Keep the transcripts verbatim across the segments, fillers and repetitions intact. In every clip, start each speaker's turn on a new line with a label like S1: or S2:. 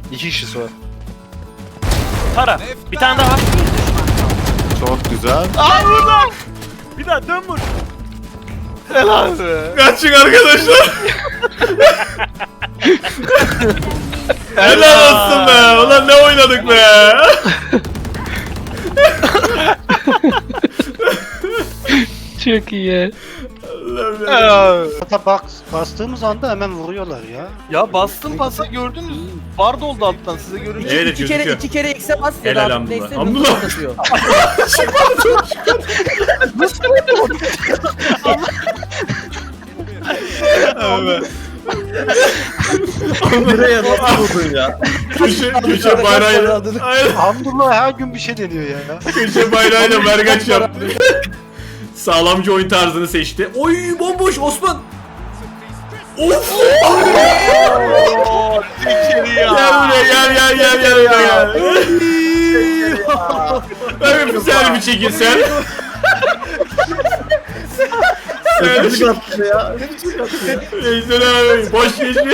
S1: İki kişisi var.
S2: Tara. Bir tane daha var.
S3: Çok güzel.
S1: Aa burada!
S2: Bir daha dön vur.
S1: Helal be.
S3: Kaçın arkadaşlar. Helal olsun be. Ulan ne oynadık be.
S4: Çok iyi.
S3: Allah'ım ya.
S5: Hatta bak bastığımız anda hemen vuruyorlar ya.
S1: Ya bastım pası gördünüz. Bar doldu alttan size görünce.
S3: Evet,
S6: iki kere
S3: gözüküyor.
S6: iki kere X'e bas ya
S3: Helal
S6: da
S3: Hamdullah.
S6: neyse
S3: Hamdullah.
S6: hızlı atıyor.
S3: Evet.
S1: Nereye nasıl vurdun ya?
S3: Köşe, köşe bayrağıyla. Aynen.
S5: Hamdullah her gün bir şey deniyor ya.
S3: Köşe bayrağıyla mergaç yaptı. Sağlamcı oyun tarzını seçti. Oy bomboş Osman. Of.
S1: Ooo içeri ya.
S3: Gel buraya gel gel gel gel gel. Ben bir selfie çekin sen.
S1: Öpücük attı ya.
S3: Veysel abi boş geçme.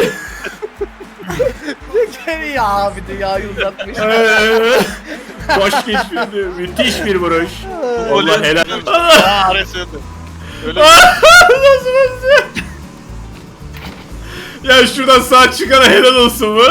S6: ya abi dünyayı uzatmış.
S3: Boş geçmedi. Müthiş bir vuruş. Allah
S1: Oley.
S3: helal.
S1: Aa arasıydı. Öyle
S3: Nasıl nasıl? Ya şuradan sağ çıkana helal olsun mu?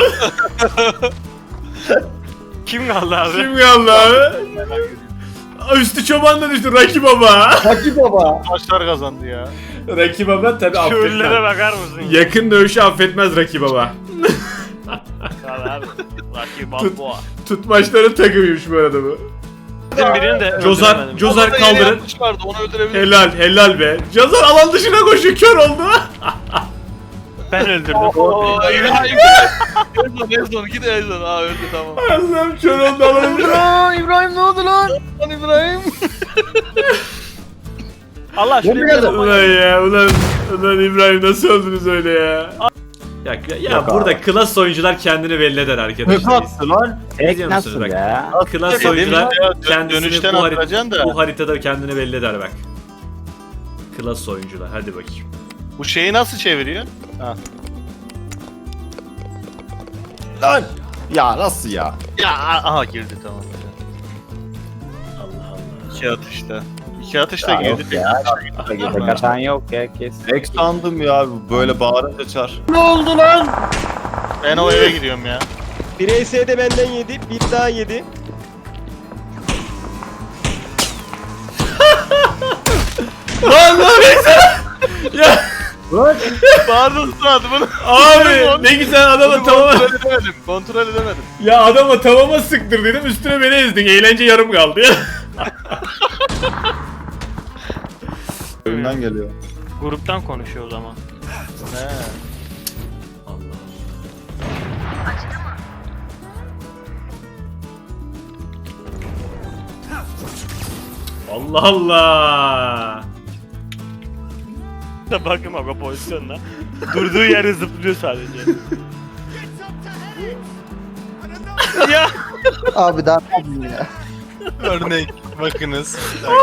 S2: Kim kaldı abi?
S3: Kim kaldı abi? Üstü çoban da düştü Raki Baba.
S1: maçlar kazandı ya.
S3: Raki Baba tabi
S2: Köylere
S3: affetmez.
S2: bakar mısın? ya?
S3: Yakın dövüşü affetmez Raki Baba.
S2: Abi abi. Rakip
S3: Tut.
S2: Balboa.
S3: Tutmaçların takımıymış bu arada bu.
S2: Bizim birini de
S3: Cozar,
S2: öldüremedim.
S3: Cozar
S1: Orada yeni
S3: kaldırın.
S1: yanlış vardı onu öldürebilir.
S3: Helal helal be. Cozar alan dışına koşuyor kör oldu.
S2: Ben öldürdüm.
S1: Ooo İbrahim. Ezon Ezon git Ezon. Aa öldü tamam.
S3: Allah'ım kör oldu alan dışına.
S1: Aa İbrahim ne oldu lan? Lan İbrahim.
S2: Allah şuraya bir yere
S3: Ulan ya ulan, ulan İbrahim nasıl öldünüz öyle ya? Ya, ya burada klas oyuncular kendini belli eder arkadaşlar.
S1: lan?
S3: Biliyor musunuz bak? Klas
S1: Dedim
S3: oyuncular
S1: ya, dön-
S3: kendisini
S1: dönüşten
S3: bu, harit-
S1: atacaksın da.
S3: bu haritada kendini belli eder bak. Klas oyuncular hadi bakayım.
S1: Bu şeyi nasıl çeviriyor? Ha.
S3: Lan!
S7: Ya nasıl ya?
S1: Ya aha girdi tamam.
S3: Allah Allah.
S1: İki atışta. İki atışta
S7: Ya
S1: girdi.
S7: yok ya.
S4: Katan yok ya kes.
S7: Ek sandım ya böyle bağırınca çar.
S1: Ne oldu lan? Ben o eve gidiyorum ya.
S8: Bir E S de benden yedi, bir daha yedi.
S3: Lan lan Veysel! Ya
S1: Pardon Suat bunu.
S3: abi ne güzel adama
S1: Bunu
S3: tamama...
S1: kontrol edemedim. Kontrol edemedim.
S3: Ya adama tavama sıktır dedim üstüne beni ezdin. Eğlence yarım kaldı ya.
S7: Önümden geliyor.
S2: Gruptan konuşuyor o zaman.
S1: He.
S3: Allah Allah.
S2: Da bakın bak o pozisyonda. Durduğu yere zıplıyor sadece. ya
S5: Abi daha ne yapayım ya?
S1: Örnek bakınız.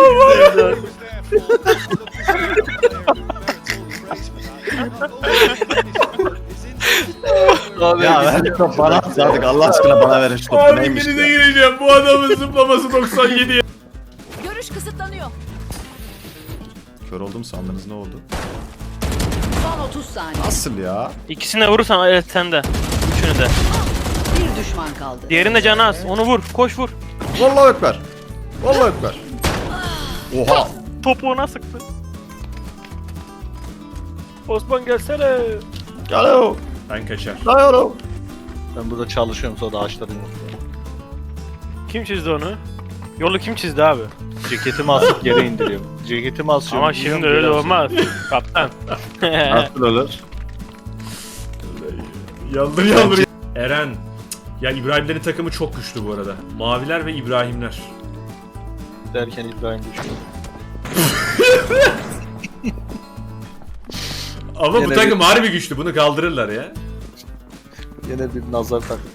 S1: Abi,
S7: Ya ver top bana at artık Allah aşkına bana verin şu topu
S3: Abi
S7: neymiş
S3: denize
S7: ya.
S3: gireceğim. Bu adamın zıplaması doksan yedi.
S9: Görüş kısıtlanıyor.
S7: Kör oldum sandınız ne oldu?
S9: Son otuz saniye.
S7: Nasıl ya?
S2: ikisine vurursan evet sen de. Üçünü de.
S9: Bir düşman kaldı.
S2: Diğerinde canı az. Onu vur. Koş vur.
S7: Vallahi ekber. Vallahi ekber. Oha.
S2: Topuğuna sıktı. Osman gelsene.
S7: Gel o.
S3: Ben kaçar.
S7: Gel o.
S1: Ben burada çalışıyorum sonra ağaçların yok.
S2: Kim çizdi onu? Yolu kim çizdi abi?
S1: Ceketimi asıp yere indiriyorum. Ceketimi asıyorum.
S2: Ama şimdi öyle olmaz. Kaptan.
S7: Nasıl olur?
S3: Yaldır yaldır. Eren. Ya İbrahimlerin takımı çok güçlü bu arada. Maviler ve İbrahimler.
S1: Derken İbrahim düşüyor.
S3: Ama bu
S1: Yine
S3: takım harbi güçlü. Bunu kaldırırlar ya.
S1: Yine bir nazar taktiği.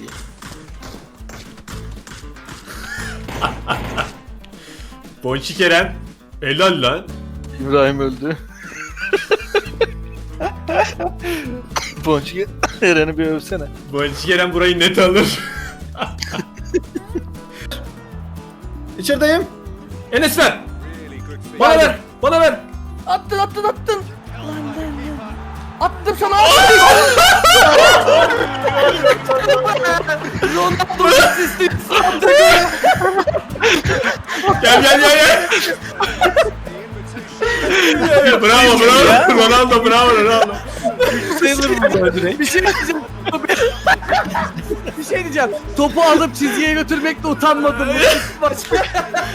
S3: Bonçik Eren. Helal lan.
S1: İbrahim öldü. Ponçik Eren'i bir övsene.
S3: Boncuk Eren burayı net alır.
S7: İçerideyim.
S3: Enes ver. Bana ver. Bana ver.
S6: Attın attın attın. Attım sana.
S3: Gel gel gel gel. Bravo bravo. Ronaldo bravo Ronaldo.
S6: Bir şey diyeceğim. Bir şey diyeceğim. Topu alıp çizgiye götürmekle utanmadım. Başka.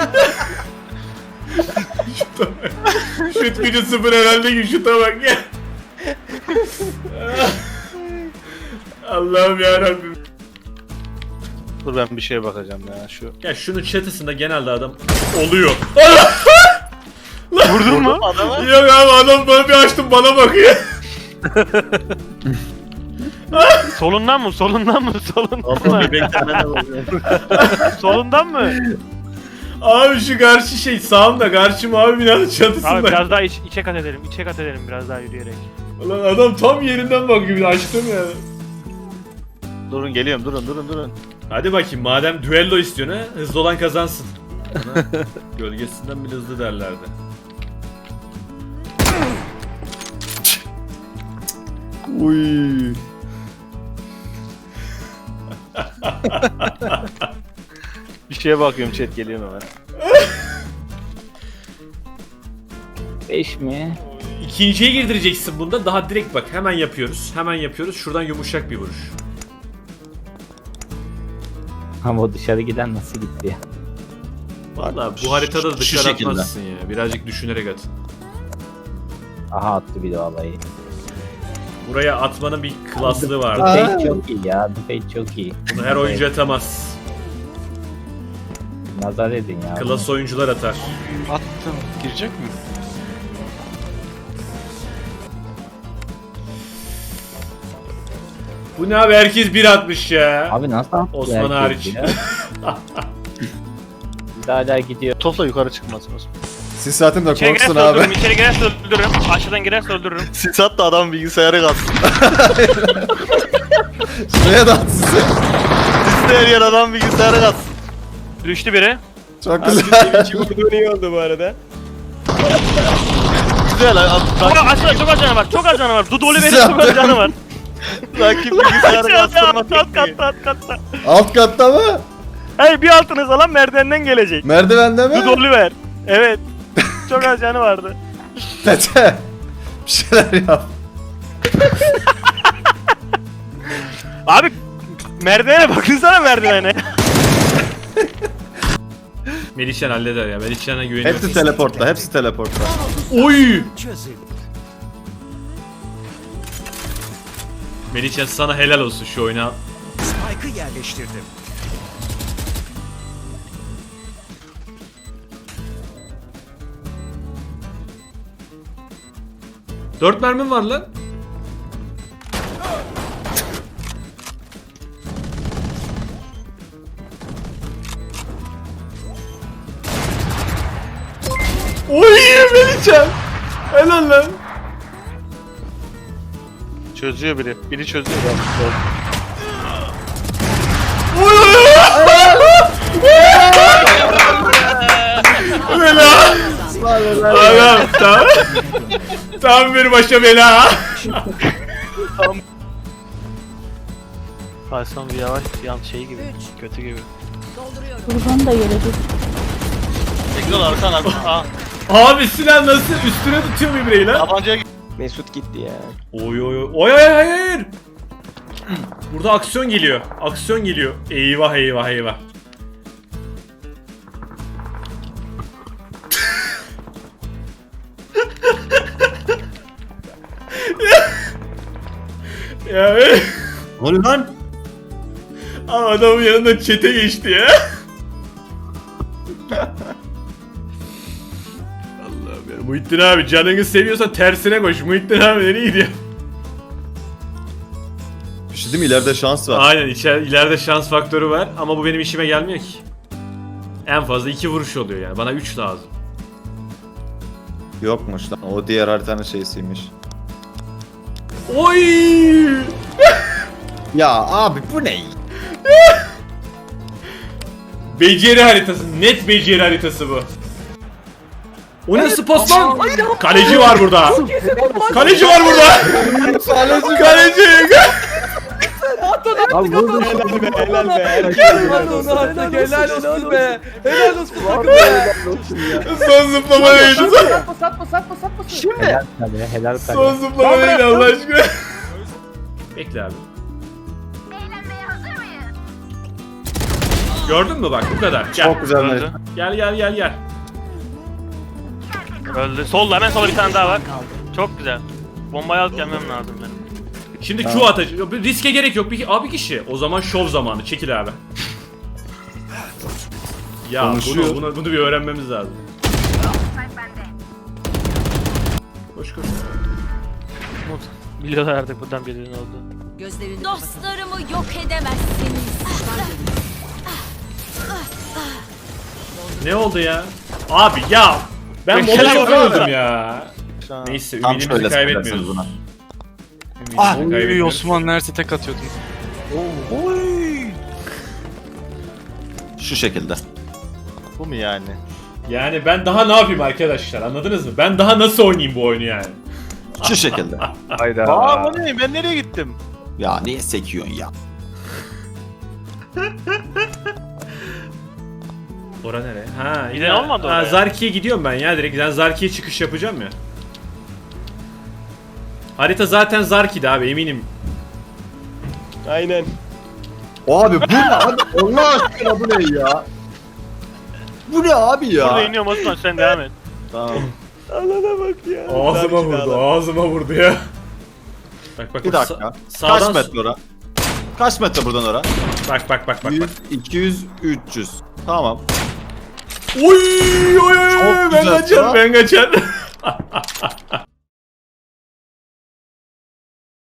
S3: Şut gücü sıfır herhalde ki şuta bak ya. Allah'ım yarabbim.
S1: Dur ben bir şeye bakacağım ya şu.
S3: Ya şunun çatısında genelde adam oluyor.
S2: Vurdun mu?
S3: Yok abi adam bana bir açtım bana bakıyor.
S2: Solundan mı? Solundan mı? Solundan mı? Solundan mı?
S3: Abi şu karşı şey sağımda karşı mavi binanın
S2: Abi
S3: çatısında.
S2: biraz daha iç, içe kat edelim. İçe kat edelim biraz daha yürüyerek.
S3: Ulan adam tam yerinden bakıyor açtım ya.
S1: Durun geliyorum durun durun durun.
S3: Hadi bakayım madem düello istiyorsun ha hızlı olan kazansın. Buna gölgesinden bile hızlı derlerdi.
S7: Uy.
S1: Bir şeye bakıyorum chat geliyorum hemen.
S4: Beş mi?
S3: İkinciye girdireceksin bunda daha direkt bak hemen yapıyoruz. Hemen yapıyoruz şuradan yumuşak bir vuruş.
S4: Ama o dışarı giden nasıl gitti ya?
S3: Valla bu haritada da
S1: Şu
S3: dışarı
S1: şekilde.
S3: atmazsın ya. Birazcık düşünerek at.
S4: Aha attı bir de vallahi.
S3: Buraya atmanın bir klaslığı var.
S4: Fate çok iyi ya. Fate çok iyi.
S3: Bunu her oyuncu atamaz.
S4: Nazar edin ya.
S3: Klas oyuncular atar.
S1: Attım. Girecek mi?
S3: Bu ne abi herkes bir atmış ya.
S4: Abi nasıl attı
S3: Osman
S4: herkes
S3: hariç.
S4: ya? Bir de hala gidiyor.
S1: Topla yukarı çıkmasın Osman.
S7: Siz zaten de
S2: İçeri
S7: korksun
S2: girerse
S7: abi.
S2: öldürürüm, içeri girerse öldürürüm. Aşağıdan girerse öldürürüm.
S1: Sis at da adam bilgisayarı kalsın.
S7: Şuraya da at sizi.
S1: Sisli her yer adam bilgisayarı kalsın.
S2: Düştü biri.
S7: Çok
S8: Abi
S7: güzel.
S8: Twitch'i vurduğun iyi oldu bu arada.
S1: Güzel abi.
S2: Çok aşağıda çok az canı var. Çok az canı var. Dudoli benim
S7: Size
S2: çok az canı var.
S1: Rakip bilgisayarı
S2: Aşağıda
S1: kastırmak
S2: alt
S1: yok
S2: katta
S1: ki.
S2: alt katta.
S7: Alt katta mı?
S2: Hayır bir altınız alan merdivenden gelecek.
S7: Merdivende mi?
S2: Dudoli ver. Evet. Çok az canı vardı.
S7: Tete. Bir şeyler yap.
S2: Abi merdivene bakınsana merdivene.
S3: Melihcan halleder ya. Melihcan'a güveniyorum.
S7: Hepsi teleportta, hepsi teleportta.
S3: Oy! Melihcan sana helal olsun şu oyuna.
S10: Spike'ı yerleştirdim.
S3: Dört mermim var lan. Oy Melihcan. Helal lan.
S1: Çözüyor biri. Biri çözüyor.
S3: Oy oy oy. Helal. Adam tam. Tam bir başa bela.
S2: Hasan bir yavaş yan şey gibi. Kötü gibi.
S9: Dolduruyorum.
S11: Buradan da gelecek.
S1: Tekrar arkan arkan. Aa.
S3: Abi silah nasıl üstüne tutuyor mu ibreyi lan?
S1: Tabancaya git.
S8: Mesut gitti ya.
S3: Oy oy oy. Oy oy hayır hayır. Burada aksiyon geliyor. Aksiyon geliyor. Eyvah eyvah eyvah. ya be.
S7: Ne oluyor lan?
S3: Ama adamın yanında çete geçti ya. Allah'ım ya. Muhittin abi canını seviyorsan tersine koş. Muhittin abi nereye gidiyor?
S7: Bir şey değil mi? İleride şans var.
S3: Aynen içer, ileride şans faktörü var ama bu benim işime gelmiyor ki. En fazla iki vuruş oluyor yani. Bana üç lazım.
S7: Yokmuş lan. O diğer haritanın şeysiymiş.
S3: Oy!
S7: Ya abi bu ne?
S3: Beceri haritası. Net beceri haritası bu. O nasıl pas lan? Kaleci var burada. Kaleci var burada. Kaleci.
S4: Abi vurdum.
S8: Helal be helal be.
S6: Helal olsun artık helal olsun be. Helal olsun takım be.
S3: Son zıplama neydi?
S6: Satma satma satma satma. Şimdi.
S4: Helal kale, helal kale.
S3: Son zıplama neydi Allah aşkına? Bekle abi. Gördün mü bak bu kadar. Gel.
S7: Çok güzel.
S2: Öldü.
S3: Gel gel gel gel.
S2: Öldü. Solda hemen sola bir tane daha var. Çok güzel. Bombayı alıp gelmem lazım benim.
S3: Şimdi Q atacak. Riske gerek yok. Bir, abi kişi. O zaman şov zamanı. Çekil abi. Ya
S7: Konuşuyor.
S3: bunu, bunu, bunu bir öğrenmemiz lazım. Koş koş.
S2: Umut. Biliyorlar artık buradan birinin oldu.
S9: Gözlerini
S11: Dostlarımı yok edemezsiniz.
S3: Ne oldu ya? Abi ya. Ben
S2: Beşer
S3: mola çok
S2: oldu.
S3: öldüm ya. Neyse
S7: Tam
S3: ümidimizi
S7: şöyle
S3: kaybetmiyoruz.
S7: söylersiniz buna.
S3: Ümidimizi kaybetmiyoruz.
S1: Osman neredeyse tek atıyordum.
S7: Şu şekilde. Bu mu yani?
S3: Yani ben daha ne yapayım arkadaşlar, anladınız mı? Ben daha nasıl oynayayım bu oyunu yani?
S7: Şu şekilde.
S1: Hayda.
S8: Aa bu ne? Ben nereye gittim?
S7: Ya niye sekiyorsun ya?
S3: Ora nereye? Ha,
S2: Giden
S3: ya-
S2: olmadı
S3: ha,
S2: oraya.
S3: Zarki'ye gidiyorum ben ya direkt. Ben Zarki'ye çıkış yapacağım ya. Harita zaten Zarki'di abi eminim.
S8: Aynen.
S7: Abi bu ne abi? Allah aşkına bu ne ya? Bu ne abi
S2: Burada
S7: ya?
S2: iniyorum Osman sen devam et.
S7: Tamam.
S8: Allah'ına bak ya.
S3: Ağzıma
S8: Zarki
S3: vurdu,
S8: adam.
S3: ağzıma vurdu ya. Bak bak
S7: Bir
S3: bak,
S7: dakika.
S3: sa- sağdan
S7: Kaç metre ora? Kaç metre buradan ora?
S3: Bak bak bak bak bak.
S7: yüz, iki yüz, üç yüz. Tamam.
S3: Oy oy oy
S7: Çok
S3: ben
S7: güzel
S3: kaçar
S7: ya.
S3: ben kaçar.